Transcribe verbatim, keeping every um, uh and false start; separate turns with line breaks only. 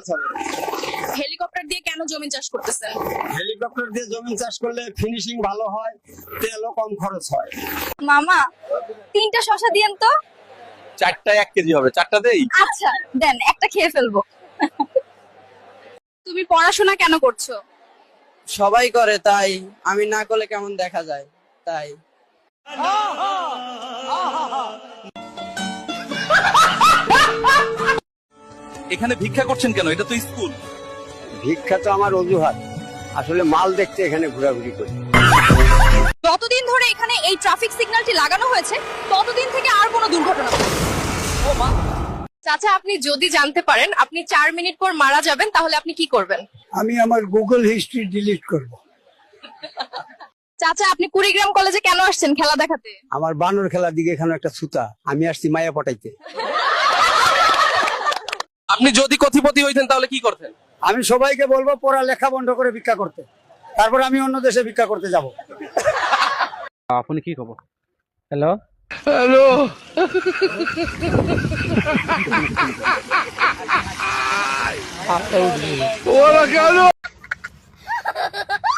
মাছ হবে।
হেলিকপ্টার দিয়ে কেন জমি চাষ করতেছেন?
হেলিকপ্টার দিয়ে জমি চাষ করলে ফিনিশিং ভালো হয়, তেলও কম খরচ হয়।
মামা তিনটা শশা দিয়েন তো।
চারটা এক কেজি হবে, চারটা দেই।
আচ্ছা দেন, একটা খেয়ে ফেলবো। তুমি পড়াশোনা কেন করছো?
সবাই করে তাই আমি না করলে কেমন দেখা যায় তাই।
এখানে ভিক্ষা করছেন কেন? এটা তো স্কুল।
ভিক্ষা তো আমার অজুহাত, আসলে মাল দেখতে এখানে ঘোরাঘুরি করি।
যতদিন ধরে এখানে এই ট্রাফিক সিগন্যালটি লাগানো হয়েছে ততদিন থেকে আর কোনো দুর্ঘটনা হয়নি। ও মা। চাচা, আপনি যদি জানতে পারেন আপনি চার মিনিট পর মারা যাবেন তাহলে আপনি কি করবেন?
আমি আমার গুগল হিস্ট্রি ডিলিট করব।
চাচা, আপনি কুড়িগ্রাম কলেজে কেন আসছেন খেলা দেখাতে?
আমার বানর খেলার দিকে এখানে একটা সুতা, আমি আসছি মায়া পটাইতে।
আপনি যদি কোটিপতি হইতেন তাহলে কি করতেন?
আমি সবাইকে বলবো পড়া লেখা বন্ধ করে ভিক্ষা করতে, তারপর আমি অন্য দেশে ভিক্ষা করতে যাব।
আপনি কি খবর? হ্যালো হ্যালো ওরা কেন